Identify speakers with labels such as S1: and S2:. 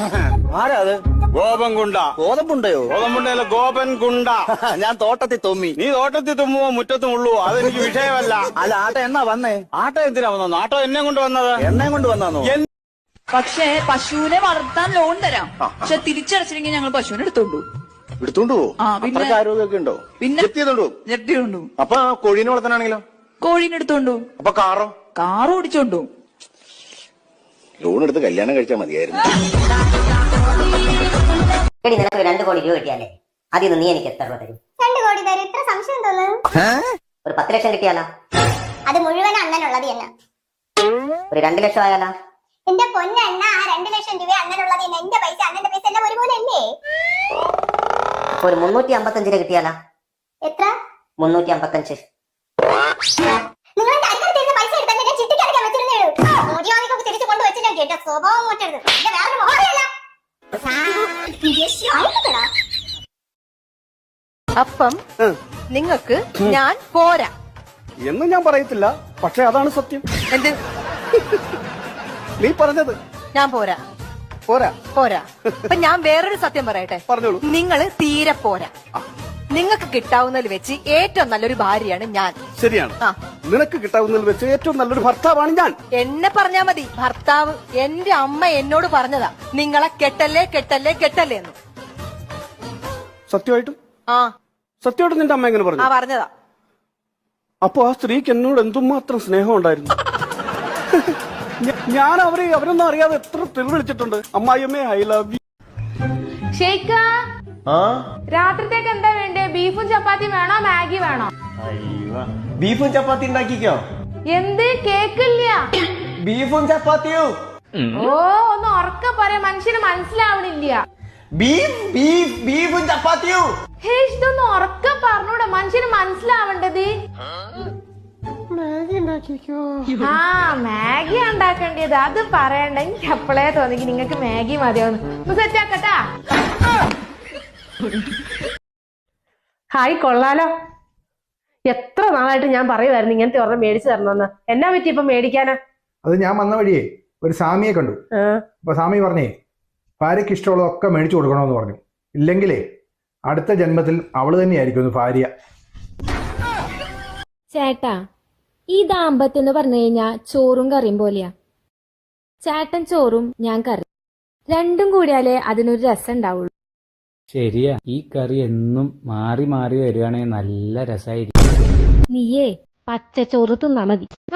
S1: ആരാ അത്?
S2: ഗോപൻകുണ്ട.
S1: ഗോതമ്പുണ്ടയോ?
S2: ഗോതമ്പുണ്ടല്ല, ഗോപൻകുണ്ട.
S1: ഞാൻ തോട്ടത്തിൽ തുമ്മി.
S2: നീ തോട്ടത്തിൽ തുമ്മുവോ മുറ്റത്തും ഉള്ളുവോ അതെനിക്ക് വിഷയമല്ല.
S1: അല്ല, ആട്ട എന്നാ വന്നേ?
S2: ആട്ടോ എന്തിനാ വന്നു? ആട്ടോ എന്നെ കൊണ്ട് വന്നത്.
S1: എണ്ണയും കൊണ്ട് വന്നോ?
S3: പക്ഷേ പശുവിനെ വളർത്താൻ ലോൺ തരാം. പക്ഷെ തിരിച്ചടച്ചില്ലെങ്കിൽ ഞങ്ങൾ പശുവിനെ എടുത്തോണ്ടു.
S1: എടുത്തോണ്ടു?
S3: പിന്നെ
S1: ആരോഗ്യമൊക്കെ ഉണ്ടോ?
S3: പിന്നെ ജപ്തിയുണ്ടു.
S1: അപ്പൊ കോഴീനെ വളർത്താനാണെങ്കിലോ?
S3: കോഴീനെ എടുത്തോണ്ടു.
S1: അപ്പൊ കാറോ?
S3: കാറ് ഓടിച്ചോണ്ടു.
S1: ലോൺ എടുത്ത് കല്യാണം കഴിച്ചാൽ മതിയായിരുന്നു.
S4: എടി, നിനക്ക് 2 കോടി രൂപ കിട്ടിയാലേ അതിൽ നിന്ന് നീ എനിക്ക് എത്ര രൂപ തരും?
S5: 2 കോടി തരും. ഇത്ര സംശയം തോന്നുന്നു.
S4: ഒരു 10 ലക്ഷം കിട്ടിയാലോ?
S5: അത് മുഴുവൻ അണ്ണനുള്ളത് തന്നെ.
S4: ഒരു 2 ലക്ഷം ആയാലോ?
S5: എന്റെ പൊന്നണ്ണ, ആ 2 ലക്ഷം രൂപ അണ്ണനുള്ളത് തന്നെ. എന്റെ പൈസ അണ്ണന്റെ പൈസ എല്ലാം ഒരുപോലെ അല്ലേ?
S4: അപ്പൊ ഒരു 355 കിട്ടിയാലോ?
S5: എത്ര?
S4: 355.
S5: നിങ്ങൾ എന്റെ അടുത്തടുത്ത് പൈസ എടുത്താൽ ഞാൻ ചിട്ടിക്കടക്കാൻ വെച്ചിരുന്നേ ഉള്ളൂ. മോദിവാദിക്കൊക്കെ തിരിച്ചു കൊണ്ടുവച്ച് ഞാൻ കേട്ട സ്വഭാവം മാറ്റരുത്. എന്റെ വേറെ മോഹമല്ല.
S6: അപ്പം നിങ്ങക്ക് ഞാൻ പോരാ
S2: എന്ന് ഞാൻ പറയത്തില്ല, പക്ഷെ അതാണ് സത്യം.
S6: എന്ത്?
S2: നീ പറഞ്ഞത്
S6: ഞാൻ പോരാ
S2: പോരാ.
S6: പോരാ. അപ്പൊ ഞാൻ വേറൊരു സത്യം പറയട്ടെ.
S2: പറഞ്ഞോളൂ.
S6: നിങ്ങള് തീരെ പോരാ. നിങ്ങൾക്ക് കിട്ടാവുന്നതിൽ വെച്ച് ഏറ്റവും നല്ലൊരു ഭാര്യയാണ് ഞാൻ.
S2: ശരിയാണ്. നിനക്ക് കിട്ടാവുന്നതിൽ വെച്ച് ഏറ്റവും നല്ലൊരു ഭർത്താവാണ് ഞാൻ.
S6: എന്നെ പറഞ്ഞാ മതി. ഭർത്താവ് എന്റെ അമ്മ എന്നോട് പറഞ്ഞതാ, നിങ്ങളെ കെട്ടല്ലേ കെട്ടല്ലേ കെട്ടല്ലേ എന്ന്.
S2: സത്യമായിട്ടും? സത്യമായിട്ടും നിന്റെ അമ്മ എങ്ങനെ പറഞ്ഞു?
S6: പറഞ്ഞതാ.
S2: അപ്പൊ ആ സ്ത്രീക്ക് എന്നോട് എന്തുമാത്രം സ്നേഹം ഉണ്ടായിരുന്നു. ഞാൻ അവരൊന്നും അറിയാതെ എത്ര തെറി വിളിച്ചിട്ടുണ്ട്. അമ്മായിയമ്മേ, ഐ ലവ് യു.
S7: ഷെയ്ക്ക, രാത്രിത്തേക്ക് എന്താ വേണ്ടേ? ബീഫും ചപ്പാത്തി വേണോ മാഗി വേണോ?
S8: ബീഫും ചപ്പാത്തി ഉണ്ടാക്കിക്കോ.
S7: എന്ത് കേക്കില്ല?
S8: ബീഫും ചപ്പാത്തിയും.
S7: ഓ, ഒന്ന് ഉറക്ക പറയാ, മനുഷ്യന് മനസ്സിലാവണില്ല.
S8: ബീഫും ചപ്പാത്തിയും.
S7: ഇതൊന്ന് ഉറക്ക പറഞ്ഞൂടെ, മനുഷ്യന് മനസ്സിലാവേണ്ടത്. മാഗി ഉണ്ടാക്കേണ്ടത് അത് പറയണ്ട. എനിക്ക് അപ്പളേ തോന്നി നിങ്ങക്ക് മാഗി മതിയാവുന്നു. സെറ്റ് ആക്കട്ടാ.
S9: ഹായ്, കൊള്ളാലോ. എത്ര നാളായിട്ട് ഞാൻ പറയുമായിരുന്നു ഇങ്ങനത്തെ ഒരെണ്ണം മേടിച്ചു തരണമെന്ന്. എന്നാ പറ്റി ഇപ്പൊ മേടിക്കാനാ?
S10: അത് ഞാൻ വന്ന വഴിയേ ഒരു സ്വാമിയെ കണ്ടു. അപ്പൊ സ്വാമി പറഞ്ഞേ ഭാര്യയ്ക്ക് ഇഷ്ടമുള്ളതൊക്കെ മേടിച്ചു കൊടുക്കണമെന്ന് പറഞ്ഞു. ഇല്ലെങ്കിലേ അടുത്ത ജന്മത്തിൽ അവള് തന്നെയായിരിക്കും ഒന്ന് ഭാര്യ.
S11: ചേട്ടാ, ഈ ദാമ്പത്യം എന്ന് പറഞ്ഞു കഴിഞ്ഞാ ചോറും കറിയും പോലെയാ. ചേട്ടൻ ചോറും ഞാൻ കറി, രണ്ടും കൂടിയാലേ അതിനൊരു രസം ഉണ്ടാവുള്ളൂ.
S12: ശരിയാ, ഈ കറി എന്നും മാറി മാറി വരുവാണെങ്കിൽ നല്ല രസമായിരിക്കും.
S11: നീയേ പച്ചച്ചോറ് തിന്നാ മതി.